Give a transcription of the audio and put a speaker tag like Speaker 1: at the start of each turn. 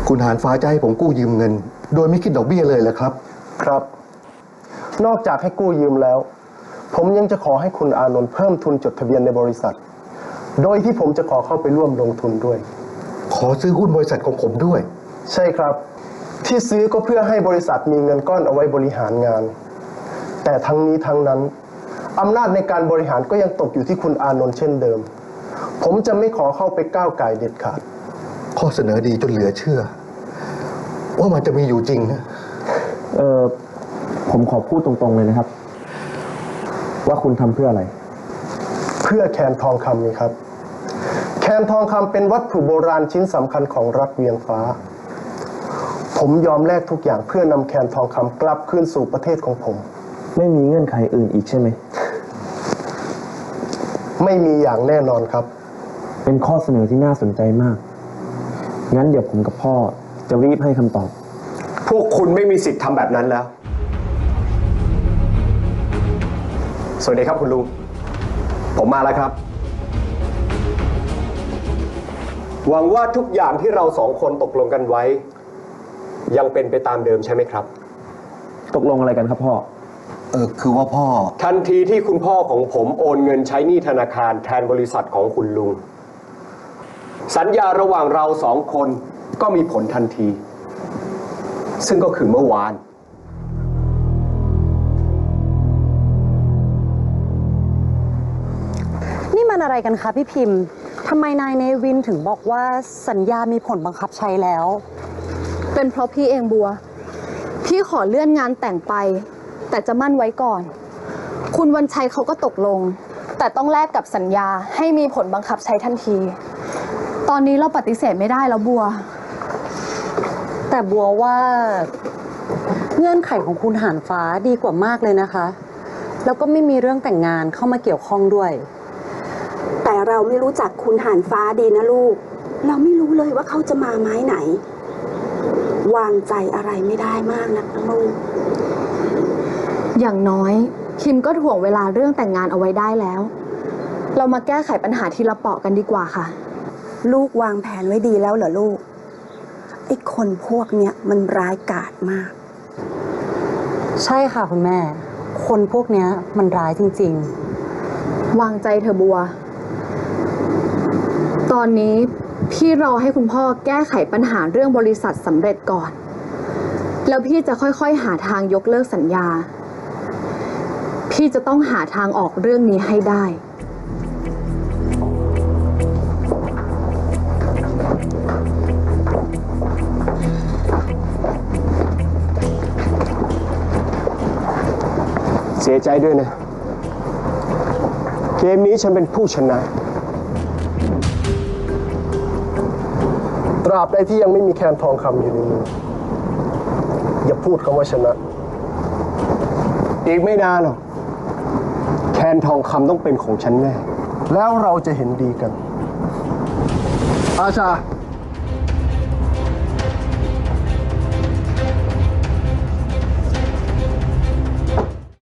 Speaker 1: คุณหานฟ้าจะให้ผมกู้ยืมเงินโดยไม่คิดดอกเบี้ยเลยเหรอครับ
Speaker 2: ครับนอกจากให้กู้ยืมแล้วผมยังจะขอให้คุณอานนท์เพิ่มทุนจดทะเบียนในบริษัทโดยที่ผมจะขอเข้าไปร่วมลงทุนด้วย
Speaker 1: ขอซื้อหุ้นบริษัทของผมด้วย
Speaker 2: ใช่ครับที่ซื้อก็เพื่อให้บริษัทมีเงินก้อนเอาไว้บริหารงานแต่ทั้งนี้ทั้งนั้นอำนาจในการบริหารก็ยังตกอยู่ที่คุณอานนท์เช่นเดิมผมจะไม่ขอเข้าไปก้าวไก่เด็ดขาด
Speaker 1: ข้อเสนอดีจนเหลือเชื่อว่ามันจะมีอยู่จริงนะ
Speaker 3: ผมขอพูดตรงๆเลยนะครับว่าคุณทำเพื่ออะไร
Speaker 2: เพื่อแคนทองคำนี่ครับแคนทองคำเป็นวัตถุโบราณชิ้นสำคัญของรัฐเวียงฟ้าผมยอมแลกทุกอย่างเพื่อนำแคนทองคำกลับคืนสู่ประเทศของผม
Speaker 3: ไม่มีเงื่อนไขอื่นอีกใช่ไหม
Speaker 2: ไม่มีอย่างแน่นอนครับ
Speaker 3: เป็นข้อเสนอที่น่าสนใจมากงั้นเดี๋ยวผมกับพ่อจะรีบให้คำตอบ
Speaker 4: พวกคุณไม่มีสิทธิ์ทำแบบนั้นแล้วสวัสดีครับคุณลุงผมมาแล้วครับหวังว่าทุกอย่างที่เราสองคนตกลงกันไว้ยังเป็นไปตามเดิมใช่ไหมครับ
Speaker 3: ตกลงอะไรกันครับพ่อ
Speaker 1: คือว่าพ่อ
Speaker 4: ทันทีที่คุณพ่อของผมโอนเงินใช้หนี้ธนาคารแทนบริษัทของคุณลุงสัญญาระหว่างเราสองคนก็มีผลทันทีซึ่งก็คือเมื่อวาน
Speaker 5: นี่มันอะไรกันคะพี่พิมพ์ทำไมนายเนวินถึงบอกว่าสัญญามีผลบังคับใช้แล้ว
Speaker 6: เป็นเพราะพี่เองบัวพี่ขอเลื่อนงานแต่งไปแต่จะมั่นไว้ก่อนคุณวันชัยเขาก็ตกลงแต่ต้องแลกกับสัญญาให้มีผลบังคับใช้ทันทีตอนนี้เราปฏิเสธไม่ได้แล้วบัว
Speaker 5: แต่บัวว่าเงื่อนไขของคุณหานฟ้าดีกว่ามากเลยนะคะแล้วก็ไม่มีเรื่องแต่งงานเข้ามาเกี่ยวข้องด้วย
Speaker 7: แต่เราไม่รู้จักคุณหานฟ้าดีนะลูกเราไม่รู้เลยว่าเขาจะมาไม้ไหนวางใจอะไรไม่ได้มากนักนะลูก
Speaker 6: อย่างน้อยคิมก็ถ่วงเวลาเรื่องแต่งงานเอาไว้ได้แล้วเรามาแก้ไขปัญหาทีละเปาะกันดีกว่าค่ะ
Speaker 7: ลูกวางแผนไว้ดีแล้วเหรอลูกไอ้คนพวกเนี้ยมันร้ายกาจมาก
Speaker 5: ใช่ค่ะคุณแม่คนพวกเนี้ยมันร้ายจริงๆ
Speaker 6: วางใจเธอบัวตอนนี้พี่รอให้คุณพ่อแก้ไขปัญหาเรื่องบริษัทสำเร็จก่อนแล้วพี่จะค่อยๆหาทางยกเลิกสัญญาพี่จะต้องหาทางออกเรื่องนี้ให้ได้
Speaker 4: เสียใจด้วยนะเกมนี้ฉันเป็นผู้ชนะ
Speaker 2: ตราบใดที่ยังไม่มีแคนทองคำอยู่ในมืออย่าพูดคำว่าชนะ
Speaker 4: อีกไม่นานหรอกแคนทองคำต้องเป็นของฉันแน่
Speaker 2: แล้วเราจะเห็นดีกันอาชา